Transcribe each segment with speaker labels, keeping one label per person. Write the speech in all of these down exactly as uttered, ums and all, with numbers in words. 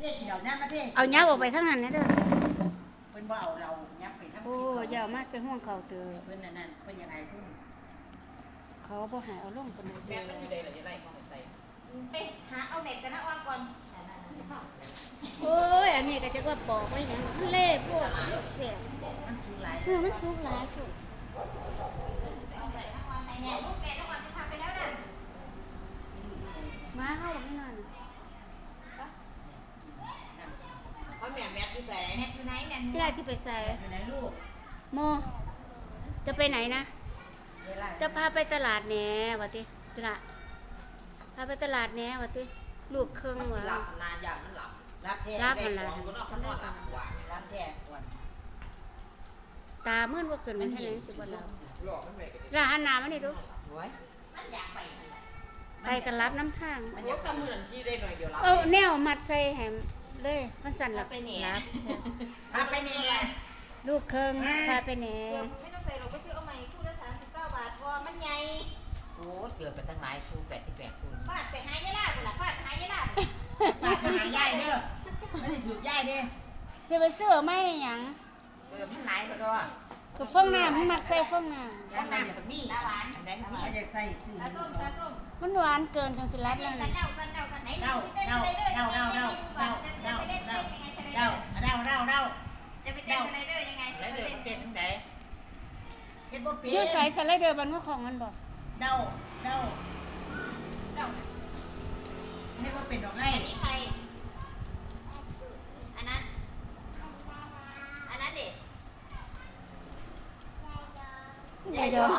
Speaker 1: จ๊กินเอาน้ำมาเจ๊
Speaker 2: เอายับออกไปทั้งนั้นนะเด้อ
Speaker 1: เป็นบ่เอาเรายับไปทั้ง
Speaker 2: โอ้ยาวมาใส่ห่วงเขาเตอ
Speaker 1: เพิ่นนั่นนั่นเพิ่นยังไงพุ่ง
Speaker 2: เขาบ่หายเอาลงปานใดเด้อ
Speaker 3: ไปหาเอาเม็ดกันนะอ้อนก่อน
Speaker 2: โอ้ยอันนี้ก็จะว่าปอกไว้หยังมันเล่พวกมันเสีย
Speaker 1: มันสูงหลาย
Speaker 2: เออมันสุกหลายพุ่น
Speaker 3: เอาใส่น้ำอ้อนไปแม่ลูกแม่น้องอ้อนจะพาไปแล้วนะ
Speaker 2: มาเฮาบ่นอน
Speaker 3: เอาแม่แม่ที่ไหนแม่อยู่ไหนแม่
Speaker 2: พี่ลาสิไปใส่
Speaker 1: อยู่ไหนลูก
Speaker 2: โมจะไปไหนนะจะพาไปตลาดแหน่ว่าติตลาดพาไปตลาดแหน่ว่าติลูกเครื่องว่ะ
Speaker 4: หลับนานอย่างมันหลับ
Speaker 1: รับแท้
Speaker 2: รับมัน
Speaker 4: ข
Speaker 2: ล่ะ
Speaker 4: องก็นอกข้างนอกหลับกว่า
Speaker 1: รับแท้ก่อน
Speaker 2: ตามื่นบ่ขึ้นมันให้เลยสิบ่หลับ
Speaker 4: หลอกมันแม่กัน
Speaker 2: ล่ะหันหน้ามานี่ดู
Speaker 4: ไว้
Speaker 3: มันอยากไป
Speaker 2: ไปกันรับน้ำทาง
Speaker 4: มันยังก็เหมือนที่ได้หน่อยเดียวหลับ
Speaker 2: เอาแนวมัดใส่แหมเลยมันสั่นหลับ
Speaker 3: ไปเนี่ย
Speaker 2: รับ
Speaker 1: พาไปนี่ไง
Speaker 2: ลูกเครื่องพาไปแหน่
Speaker 3: เกือบไม่ต้องใส่หรอกไปซื้อเอาใหม่คู่ละสามสิบเก้าบาทพอมันใหญ่
Speaker 4: โอ้เกือบไปตั้งหลายชูแปดที่แปดคูณ
Speaker 3: ฟาดไปหายายลาบล่ะฟาดหายายลาบ
Speaker 1: ฝากไปหายายเด้อไม่ได้ถือยายเด้
Speaker 2: สิไปซื้อไม่หยัง
Speaker 4: เกือบมันหลายก็ด้วย
Speaker 2: ก็ฟองน้ำมันมักใส่ฟองน้
Speaker 4: ด้านหน้ามันมี
Speaker 3: ตาหวาน
Speaker 4: อันนั้นมี
Speaker 1: ไม่อยากใส่ซื้อ
Speaker 3: ตาส้มตาส้ม
Speaker 2: ำมันหวานเกินจังสิรัด
Speaker 3: กั
Speaker 2: แล้ว
Speaker 3: น
Speaker 2: นี่
Speaker 3: เน่ากันเน่ากันไหน
Speaker 1: เดา
Speaker 3: ไปเต้น
Speaker 1: เดา
Speaker 3: อะไรเด้อ
Speaker 1: เดาเดาเดาเดา
Speaker 3: จะ
Speaker 1: เดา
Speaker 3: ไปเต้น
Speaker 1: เดา
Speaker 3: ยังไงทะเล
Speaker 1: เดาเดาเดาเดา
Speaker 3: จะไปเต้นอะไรเด้อยังไง
Speaker 4: แล้วเดือดเจ็ดทั้งไหน
Speaker 1: เฮ็ดบ่เป็น
Speaker 2: อยู่ใส่สไลเดอร์บันว่าของมันบ่
Speaker 1: เดาเดาเดาเฮ็ดบ่เป็นดอกไง
Speaker 3: อันนี้ใครอันนั้นอันนั้นเด็ก
Speaker 2: อย่า ยอม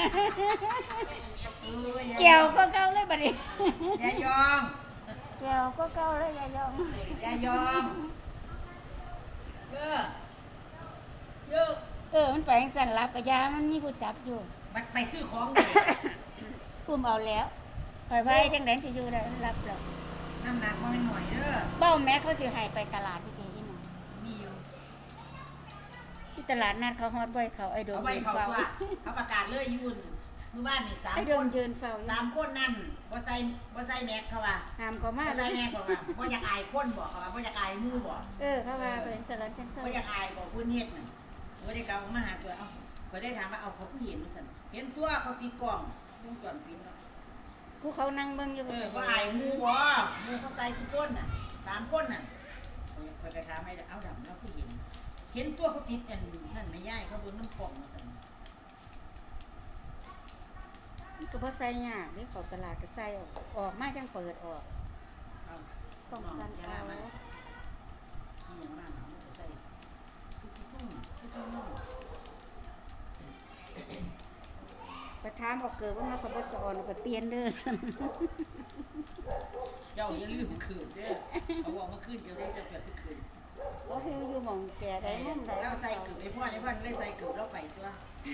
Speaker 2: เกี่ยวก็เก่าเลยบัดนี้
Speaker 1: อย่ายอม
Speaker 2: เกี่ยวก็เก่าเลยอย่ายอม
Speaker 1: อย่ายอมเออเยอะ
Speaker 2: เออมันไปจังสั่นรับกะยามันมีผู้จับอยู่
Speaker 1: มันไปซื้อของเลย
Speaker 2: กุมเอาแล้วปล่อยไว้จังได๋สิอยู่ได้รับแล้ว
Speaker 1: น้ำหนักบ่หน่อยเด้อ
Speaker 2: เบ้าแม่เขาสิให้ไปตลาดที่ทีนี่นึง
Speaker 1: มีอยู่
Speaker 2: ที่ตลาดนัดเขาฮอดบ่อยเขาไอ้โด
Speaker 1: เอา
Speaker 2: ม
Speaker 1: ไว้
Speaker 2: ยืน
Speaker 1: เขา
Speaker 2: เฝ้า
Speaker 1: ตัวเขาประกาศเลยยุ่นมือบ้านนี่สาม
Speaker 2: ไอ้
Speaker 1: ค
Speaker 2: โดม
Speaker 1: น
Speaker 2: ยืนเฝ้าอยู่
Speaker 1: สามคนนั่นบ่ใส่บ่ใส่แม็กเขาว่า
Speaker 2: ห้ามเขามา
Speaker 1: บ่
Speaker 2: เล
Speaker 1: ใส่
Speaker 2: ย
Speaker 1: แม็กบอกว่าบ่อยากอายคนบอกเขาว่าบ่อยากอายหมู่บอก
Speaker 2: เออเขาว่าเป็นสลัดจังซั่น
Speaker 1: บ่อยากอายบอกพื้นเฮ็ดน่ะบ่ได้กล่าวมาหาตัวเอ้าก็ได้ถามว่าเอาเขาผู้เห็นซั่นเห็นตัวเขาติดกล้องวงจรปิดเนาะ
Speaker 2: ผู้เขานั่งเบิ่งอยู่
Speaker 1: เออบ่อายหมู่บ่หมู่เขาใส่ทุกคนน่ะสามคนน่ะข้อยก็ถามให้เอาดำแล้วผู้เห็น เห็นตัวเขาติดอันนั่นไม่ย่ายเขาเบิ่งน้ำกล่องมาซั่น
Speaker 2: ก็บ่ใส่ยากนี่เขาตลาดก็ใส่ออกออกมาจังเปิดออก
Speaker 1: เอา
Speaker 2: ป้องกัน
Speaker 1: ยา
Speaker 2: เอา
Speaker 1: มาขี้ยังมาใส่คือสิซุ่มคือซุ่ม
Speaker 2: ไปถามเอาเกิดว่ามาเขาบ่สอนเอาไปเปลี่ยนเด้อซั่น
Speaker 1: เจ้าอย่าลืมคืนเด้อเขาบอกมาคืนเดี๋ยวได้จะเกิดคืน
Speaker 2: บ่ฮู้อยู่หม่องแก่ได้มุมใด
Speaker 1: เราใส่เกือบไอ้พ่อไอ้พ่อไม่ใส่เกือบเราไปตัว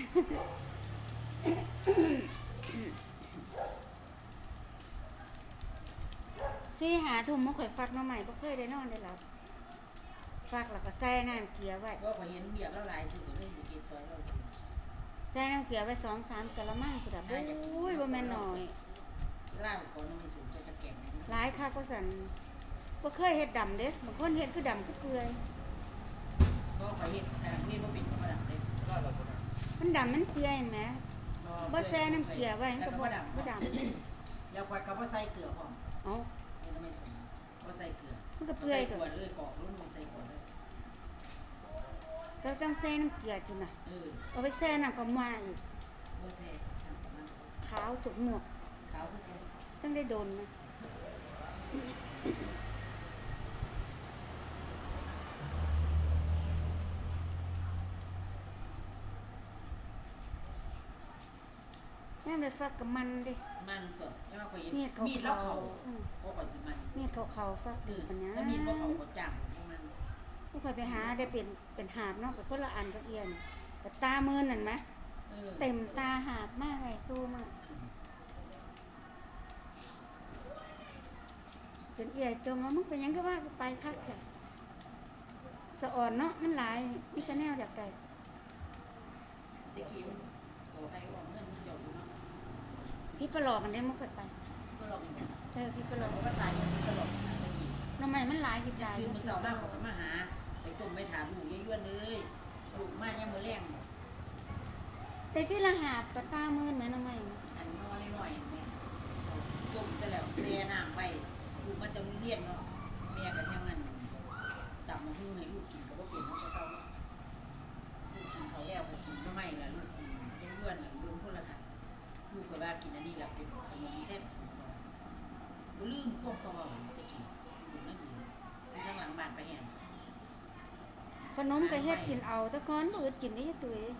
Speaker 2: สิหาทุ่มบ่ค่อยฟักหน้อใหม่บ่เคยได้นอนได้หลับฟักแล้วก็ใส่น้ำเกลือไว้
Speaker 1: เพราะเขาเห็นเบียร์เราหลายสิก็เลยอยู่กินซอยเรา
Speaker 2: ใส่น้ำเกลือไว้สองสามกะละมังพุ่นน่ะโอ้ยบ่แม่นน้อย
Speaker 1: ล่างคนไม่สูงจะจะแก่ง
Speaker 2: หลายคักก็สั่นบ่เคยเฮ็ดดำเด้บางคนเฮ็ดคือดำคือเปื่อย
Speaker 1: เพราะเขาเห็นแต่นี่มันเป็นธรรมดาเลยก็เราคนนั้น
Speaker 2: มันดำมันเปื่อยเห็นไหมบ่แซ่น้ำเกลือไว้มันก็บ่บ่ดำ
Speaker 1: แล้วคอยกับว่าใส่เกลือหอม
Speaker 2: เอ้า
Speaker 1: นี่ไม่สมว่าใส่เกลือ
Speaker 2: มันก็เปื่อย
Speaker 1: ตั
Speaker 2: ตัว
Speaker 1: วเลยกรอกรุ่นมันใส่ก่อนเลย
Speaker 2: ก็ต้องแซ่น้ำเกลือจุน่ะ
Speaker 1: เออ
Speaker 2: เอาไปแซ่น้ำก็มาอีก
Speaker 1: ว่าใส่มัน
Speaker 2: ขาวสุกหมวก
Speaker 1: ขาวคือแค่
Speaker 2: ต้องได้โดนนะแม่ไปฟักกับมันดิ
Speaker 1: มันก่อนแล้วก็เห็น
Speaker 2: มีดเขา
Speaker 1: มีดแล้ว
Speaker 2: เขา
Speaker 1: เขา
Speaker 2: อืม
Speaker 1: เพราะก่อนสิมัน
Speaker 2: มีดเขาเขาฟัก
Speaker 1: เอ
Speaker 2: ดี
Speaker 1: อ
Speaker 2: ปัญญา
Speaker 1: ถ้ามีดว่าเขาก็จ้างพวกมัน
Speaker 2: ไม่เคยไปหาได้เป็นเป็นหาบเนาะเป็นคนละอันกับเอียนแต่ตามือนั่นไหม
Speaker 1: เออ
Speaker 2: เต็มตาหาบมากเลยสู้มากจนเอียจมว่ามึงเป็นหยังก็ว่าไปคักแค่สะอ่อนเนาะมันหลายนี่แต่แนวอยากได้
Speaker 1: ตะกี้มันโอ้ให้ว่าเงินเจ้าอยู่เนาะ
Speaker 2: พี่ประหลอกมันได้มันเคยไป
Speaker 1: ก็ลอง
Speaker 2: เออพี่ประหล
Speaker 1: เรา
Speaker 2: อก
Speaker 1: ก็ตายมันตลอดตะกี้
Speaker 2: นทำไมมันหลายสิตาย
Speaker 1: คือมือเสาร์มากเขามาหาไปต้มไปถามลูกยายย้วนเลยลูกมาเนี่ยมือแรง
Speaker 2: แต่ที่ละหาบกระต้ามืนไหมน้องใหม่
Speaker 1: อันน้อยหน่อยเนี่ยต้มจะแล้วเรียน้ำไปลูกมันจะเลี่ยนเนาะแม่กันยังงั้นตับมาหุ้งให้ลูกกินก็บ่เปลี่ยนเขาก็ต้องลูกกินเขาแล้วก็กินทำไมล่ะลูกกินยายย้วนเบิ่งคนละค่ะลูกก็ว่ากินอันนี้ล่ะเป็นขนมแท้บ่ลืมควบเขาว่าจะกินลูกนั่นเองข้างหลังบ้านไปแห่ง
Speaker 2: ขนมก็เฮ็ดกินเอาแต่ก่อนบ่อึดกินได้ตุ้ย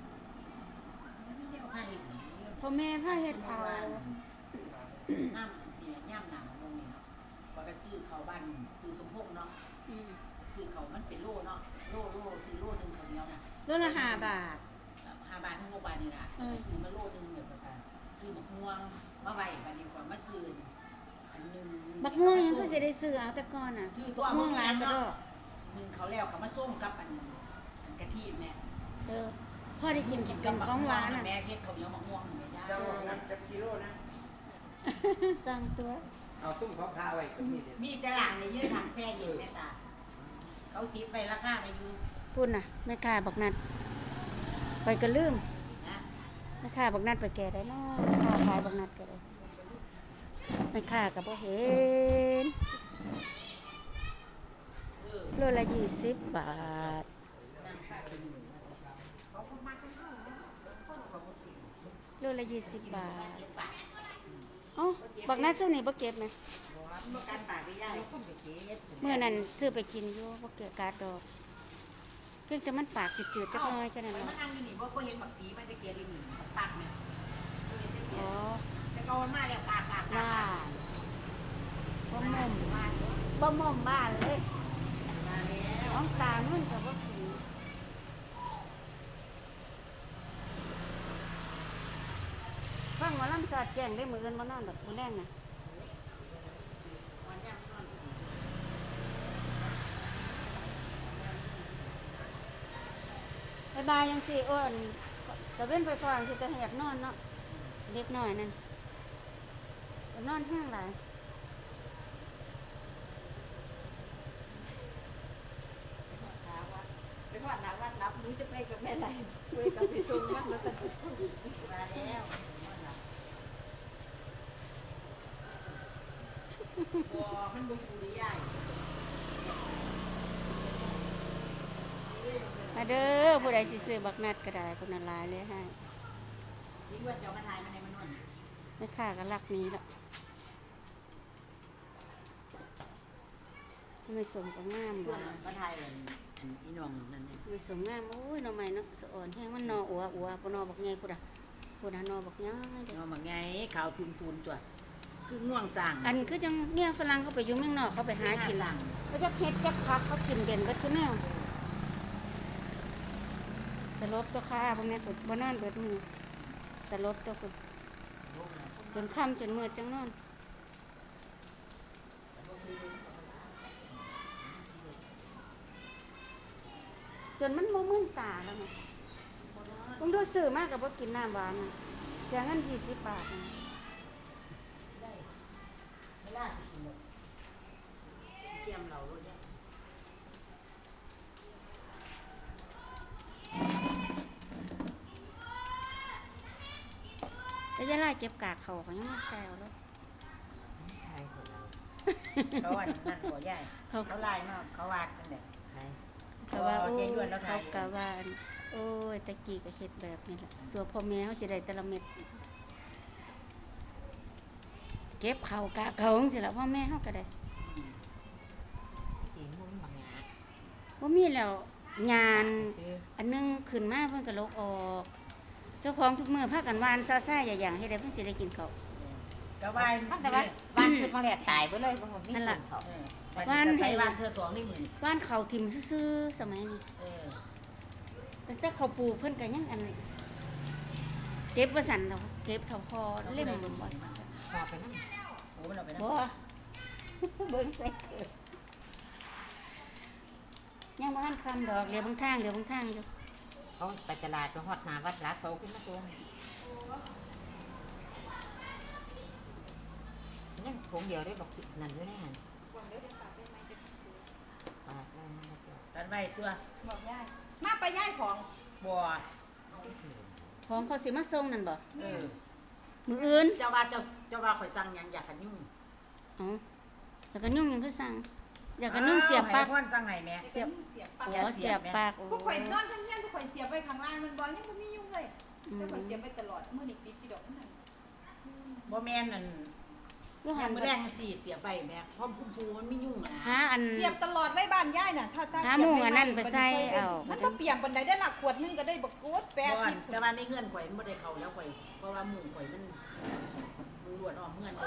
Speaker 2: พ่อแม่พาเฮ็ดเอา
Speaker 1: น้ำเนี่ยย่ำหนังลงนี่เนาะว่าก็ซื้อเขาบ้านตูสมพงษ์เนาะ
Speaker 2: อืม
Speaker 1: ซื้อเขามันเป็นโลเนาะโลโลซื้อโลหนึงเขาวเหนียวนะ
Speaker 2: โลละห้าบาท
Speaker 1: ห้าบาทถึงหกบาทนี่นะซื้อมาโลหนึงเนี่ยประมาณซื้อมะม่วงมาไว้บัดนี้กว่ามาซื้ออันหนึง
Speaker 2: บักม่วงยังก็สิได้ซื้อเอาแต่ก่อนน่ะ
Speaker 1: ซื้อตัว
Speaker 2: ม่วงหลายกระดอก
Speaker 1: หนึ่งเขาแล้วกับมาส้มกับอันอันกะทิแม่
Speaker 2: เออพ่อได้กินกินกับของหวานน่ะ
Speaker 1: แม่เฮ็ดข้าวเหนียวมะม่วงเนี่ยย่า
Speaker 5: เจ้านับจักกิโลนะ
Speaker 2: สั่งตัว
Speaker 5: เอาซุ่มเขาพาไว้ก็มีเด็ด
Speaker 1: มีแต่หลังในยืดถังแช่เย็นแม่ตาเขาติดไปราคาไปอยู่
Speaker 2: พูดน่ะแม่ค้าบักนัดไปก็ลืม
Speaker 1: นะ
Speaker 2: แม่ค้าบักนัดไปแก่ได้เนาะแม่ค้าขายบักนัดก็ได้แม่ค้าก็บ่เห็น
Speaker 1: เออ
Speaker 2: โลละยี่สิบบาทโลละยี่สิบบาทเอ้าบักนัดซื้อนี่บ่เก็บไหม
Speaker 1: ประกันปากไปย่า
Speaker 4: คนไปเก็บ
Speaker 2: เมื่อนั้นซื้อไปกินอยู่บ่เก็บกาดดอกเพียงแต่มันปากจืดๆจักหน่อยแค่นั้น
Speaker 1: มั
Speaker 2: เนาะ
Speaker 1: นนั่งอยู่นี่บ่เห็นบักตีมันจะเกลียดอีหนึ่งปากเนี่ย
Speaker 2: อ๋อ
Speaker 1: แต่ก็มันมาแล้วปากปากปา
Speaker 2: ว่าก บ่ม่อม
Speaker 1: มา
Speaker 2: บ่ม่อมบ้านเลย
Speaker 1: มาแล้ว
Speaker 2: น้องตานุ่นก็บ่กินฟังหมอลำสอดแจ้งได้มื้ออื่นบ่นอนดอกมื้อแรงน่ะ
Speaker 1: วันย่ำนอน
Speaker 2: บายบายยังสิอ้วนตะเว้นไปก่อนสิจะแหบนอนเนาะเด็กน้อยนั่นนอนแห้งหลาย
Speaker 3: ไปทอดน้ำวัดรับนู้จะไปกับแม่ไหนคุยกับพี่ซุงมันมาสนุกสุด
Speaker 1: มาแล้วบัวมันบุกบุรีใหญ่
Speaker 2: มาเด้อผู้ใดสิซื้อบักนัดก็ได้คนนั้นหลายเลยให้
Speaker 1: ยิ่งว่าเจ้ามาทายมาในมันนอน
Speaker 2: แม่ค้าก็รักนี้แล้วไม่สมก็งาม
Speaker 1: ช่ว
Speaker 2: ว่ะ
Speaker 1: งมาทายเลยอันอีน้องนั่นเนี่ย
Speaker 2: ไม่สมงามโอ้ยหน่อไม้เนาะสะอ่อนแห้งมันหนออัวอัวปนอบักใหญ่พุ่นน่ะพุ่นน่ะหนอบักใหญ่เด้อ
Speaker 1: น้องมาไงขาวจุนจุนตัวคือง่วงสั่ง
Speaker 2: อันคือจังเนี่ยฝรั่งเขาไปอยู่เมืองนอกเขาไปหากิน
Speaker 1: สั่ง
Speaker 2: เขาจะเฮ็ดจักพักเขากินเป็นเบิดซุแนวสลบตัวค่าพวกนี้ตัวบ่นอนเบิดมือสลบตัวคุณจนค่ำจนมืดจังนอนจนมันบ่มึนตาแล้วนะผมดูซื้อมากกับว่ากินน้ำหวานน่ะเสียเงินยี่สิบบาทน่ะ
Speaker 1: ไม่ล่าสิกินหมดเกี่ยมเรารถเนี่ย
Speaker 2: แล้วจะไล่เก็บกากเขาเขายังไม่แก้วแล้ว
Speaker 4: ใครคนเรา
Speaker 1: เขาอันนั่นหัวใหญ่
Speaker 2: เขา
Speaker 1: เขาไล่มากเขาวาดกันเนี่ย
Speaker 4: ใคร
Speaker 2: ก็ว่า
Speaker 1: อ๋อ
Speaker 2: โอ้
Speaker 1: เจ๊
Speaker 2: ย
Speaker 1: ยวนแล้วไท
Speaker 2: เขา
Speaker 1: ย
Speaker 2: กะว่าอันโอ้ยตะกี้ก็เฮ็ดแบบนี้แหละส่วนพ่อแม่เขาสิได้แต่ละเม็ดเก็บเขากะเขาจังซี่ล่ะพ่อแม่เขาก็ได้
Speaker 4: สีมุ่งบางงา
Speaker 2: บ่มีแล้วงาน
Speaker 4: คือ
Speaker 2: อันหนึงขึ้นมาเพิ่นก็ลกออก เจ้าของทุกมื้อพากันหวานซ่าๆอย่างๆให้ได้เพิ่นสิได้กินข้าว
Speaker 1: ก็วาด
Speaker 4: ตั้งแต่ว่าบ้านชุดมาแหลกตายไปเลยบางคนมี
Speaker 2: นั่น
Speaker 4: ค
Speaker 2: ล่ะ
Speaker 4: นเขา
Speaker 1: เออวาดให้วาดเธอสองนี่หมื่น
Speaker 2: หวานข้าวทิ่มซื่อๆสมัยนี้
Speaker 1: เออ
Speaker 2: ตั้งแต่เขาปลูกเพิ่นก็ยังอันเก็บว่าสั่นดอกเก็บเท่าพอเล่มบ่
Speaker 4: พาไปนั่ง
Speaker 1: โอ้มันเอาไปนะ
Speaker 2: บ่ เบิ่งใส่เกิดยังบ่ทันคำดอกเหลียวเบางทางเหลียวเบางทางอยู่
Speaker 4: เขาไปตลาดไปฮอดนาวัดรักเขาขึ้นมาตัวยังผงเดียวได้บอกนั่นอยู่ในหัน
Speaker 3: ก่อนเดี๋ยวเดี๋ยวฝากไปไหมจะ
Speaker 1: กันไว้ตัว
Speaker 3: บอกย่ายมาไปย่ายของ
Speaker 1: บ่
Speaker 2: ของเขาสิมาส่งนั่นบ่
Speaker 1: เออ
Speaker 2: มืออื่น
Speaker 1: เจ้าว่าเจ้าเจ้าว่าข่อยสั่งหยังอยากกันยุ่ง
Speaker 2: อ๋อแล้วก็นุ่งหยังคือสั่งอยากก็นุ่งเสียบปลั๊ก
Speaker 1: ให้พ่อนสั่งให้แม่
Speaker 3: เสียบเสียบปาก
Speaker 2: อ๋อเสียบปลั๊ก
Speaker 3: พวกข่อยนอนทั้งเงี้ยพวกข่อยเสียบไว้ข้างล่างมันบ่ยังบ่มียุ่งเลยแต่ข่อยเสียบไว้ตลอดมื้อนี้ปิดพี่ดอกนั่น
Speaker 1: บ่แม่นนั่น
Speaker 2: อยู่หั
Speaker 1: หั
Speaker 2: น
Speaker 1: นมื้อแรงสิเสียไปแม่เพราะพุ่มพูมันไม่ยุ่งนะ
Speaker 2: หาอัน
Speaker 3: เสียบตลอดเลยบ้านย่ายน่ะถ้าถ้า
Speaker 2: หาหมู่อันนั้นไปใส่เอา
Speaker 3: มันบ่เปียกปานใดได้หลักขวดนึงก็ได้บักกูดแปด
Speaker 1: บ่
Speaker 3: สิบ
Speaker 1: แต่ว่าในเฮือนข่อยมันบ่ได้เข้าแล้วข่อยเพราะว่าหมู่ข่อยมันหมู่ล้วนออมเฮือนข่อย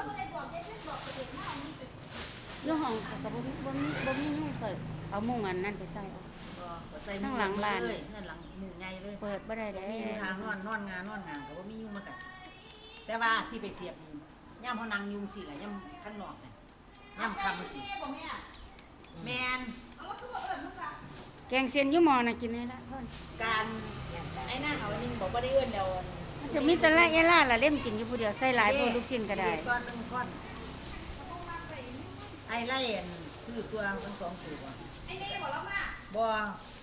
Speaker 2: อยู่ห้องเขาก็บ่มีบ่มีบ่มีนุ่งเปิดเอามุ้งอันนั้นไปใส่เอา
Speaker 1: ก็ก็ใส่
Speaker 2: ข้างหลังบ้าน
Speaker 1: เลยเฮือนหลังหมู่ใหญ่เลย
Speaker 2: เปิดบ่ได้แล้
Speaker 1: มีอยู่ทางน
Speaker 2: ว
Speaker 1: อนนอนงานนอนงานก็บ่มียุ่งมากันแต่ว่าที่ไปเสียบนี่ย่ำเขานั่งยุงสิแหละย่ำข้างนอกเนี่ยย่ำคำมันสิแมน
Speaker 2: แกงเซียนอยู่หม้อน่ะกินได้ละเพิ่น
Speaker 1: การไอ้นั่นเอาอันนึงบอกว่าได้เอื้อนแล้ว
Speaker 2: มันจะมีแต่ละเอล่าละเล่มกินอยู่ผู้เดียวใส่หลายบ่ลูกชิ้นก็ได้
Speaker 1: ตอนหนึ่งก้อนไอ้ไล่อันซื้อตัวมันสองตัว
Speaker 3: ไอ้นี่บอกแล้วมา
Speaker 1: บ่